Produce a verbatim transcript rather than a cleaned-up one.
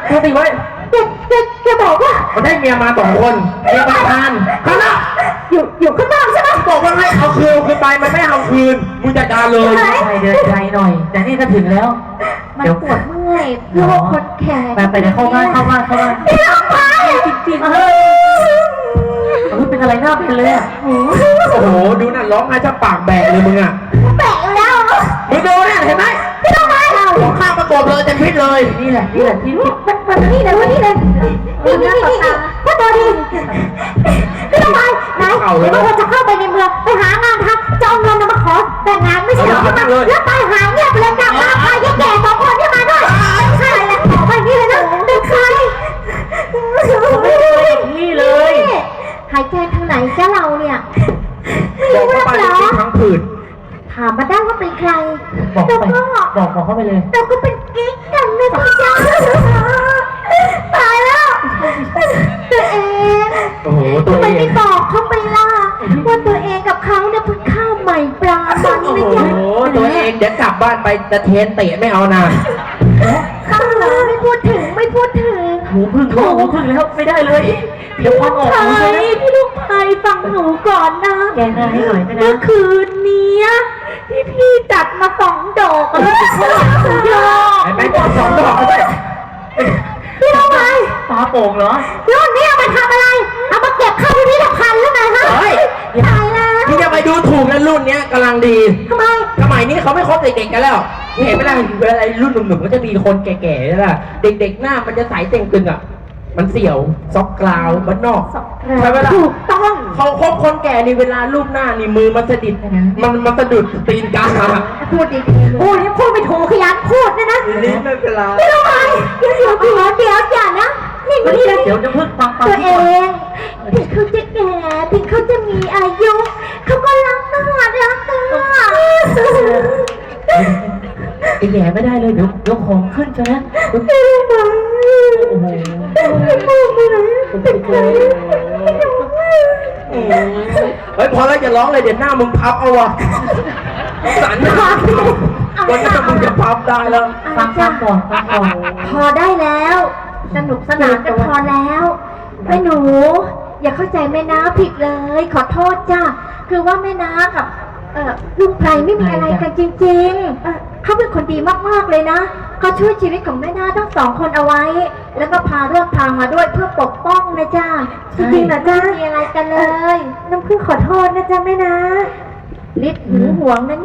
สติไว้แกแกแกบอกว่าเขาได้เมียมาสองคนเมียประธานข้างนอกอยู่อยู่ข้างนอกใช่ไหมบอกว่าให้เอาคืนคืนไปมันไม่เอาคืนมึงจัดการเลยใช่ไปเดินไกลหน่อย แต่นี่ก็ถึงแล้วมันปวดเมื่อยโรคคนแก่ไปไปเดี๋ยวเข้าบ้านเข้าบ้านเข้าบ้านพี่ลงไปจริงๆเฮ้ยเฮ้ยเป็นอะไรหน้าเป็นเลยอ่ะโอ้โหดูนั่นร้องไห้จะปากแบกเลยมึงอ่ะแปะอยู่แล้วมึงดูเนี่ยเห็นไหมพี่ลงไปหัวข้างประกบเลยเต็มพิษเลยนี่แหละนี่แหละที่ที่มันมันนี่เลยวันนี้เลยนี่นี่นี่นี่พ่อตัวดีพี่ลงไปไหนว่าเราจะเข้าไปในเมืองไปหางานทำจะเอาเงินมาขอแต่งงานไม่ใช่หรอแล้วไปหาเงียบเลยกลับมาพายายแก่สองคนที่มาด้วยใช่แล้วขอไปนี่เลยนะเป็นใครนี่เลยหายใจทางไหนจ้าเราเนี่ยบอกเข้าไปเลยที่ทั้งผืนถามมาได้ว่าเป็นใครบอกแล้วไปก็บอกบอกเข้าไปเลยเราก็เป็นกิ๊กกันนะพี่จ้าตายแล้วตัวเองโอ้โหตัวทำไมเอไม่งบอกเขาไปล่ะว่าตัวเองกับเขาเนี่ยเพิ่งข้าวใหม่ปลามันโอ้ไม่โหจ้าตัวเองเดี๋ยวกลับบ้านไปจะเทนเตะไม่เอานะข้าวเหรอไม่พูดถึงไม่พูดถึงหูพึ่งหูพึ่งแล้วไม่ได้เลย เดี๋ยวควันออกใช่หูใช่ไหมพี่ลูกพายฟังหนูก่อนนะแกหน้าให้หน่อยนะเมื่อคืนนี้ที่พี่จัดมาสองดอกแล้วสุดยอดไอ้แม่งสองดอกเลยพี่ทำไมตาโป่งเหรอรุ่นนี้เอามาทำอะไร เอามาเก็บเข้าพิพิธภัณฑ์หรือไงฮะเฮ้ยตายแล้วพี่จะไปดูถูกนะรุ่นเนี้ยกำลังดีทำไมสมัยนี้เขาไม่คบเด็กๆกันแล้วเห็นไหมล่ะเวลารุ่นหนุ่มๆก็จะมีคนแก่ๆใช่ไหมเด็กๆหน้ามันจะใสเต่งตึงอ่ะ มันเสี่ยวซอกกราวมันนอกใช่ไหมล่ะถูกต้องเขาคบคนแก่นี่เวลารูปหน้านี่มือมันสะดิดมันมันสะดุดตีนกาพูดดีๆพูดนี่พูดไม่ถูกขยันพูดนะนะนี่ไม่เป็นไรพี่ทำไมเดี๋ยวเดี๋ยวเดี๋ยวเดี๋ยวอย่านะนี่เฮ้ยนี่เดี๋ยวจะพึ่งฟังฟังตัวที่เอก่อนงถึงเขาจะแก่ถึงเขาจะมีอายุเขาก็รักกันรักกันไอ้แย่ไม่ได้เลยเดี๋ยวเดี๋ยวของขึ้นใช่ไหมโอ้โหเป็นใครเฮ้ยพอแล้วอย่าร้องเลยเดี๋ยวหน้ามึงพับเอาวะสันนะวันหน้ามึงจะพับได้แล้วฟังฟังก่อนฟังก่อนพอได้แล้ว สนุกสนานกันพอแล้วแม่หนู อย่าเข้าใจแม่น้าผิดเลย ขอโทษจ้าคือว่าแม่น้ากับเอ่อลุงไพรไม่มีอะไรกันจริงๆเอ่อเขาเป็นคนดีมากๆเลยนะเขาช่วยชีวิตของแม่น้าทั้งสองคนเอาไว้ แล้วก็พาเรื่องทางมาด้วยเพื่อปกป้องนะจ้าจริงๆนะจ้าไม่มีอะไรกันเลยน้ำพึ่งขอโทษนะจ้าแม่น้าลิศหึงหวงนะเนี่ย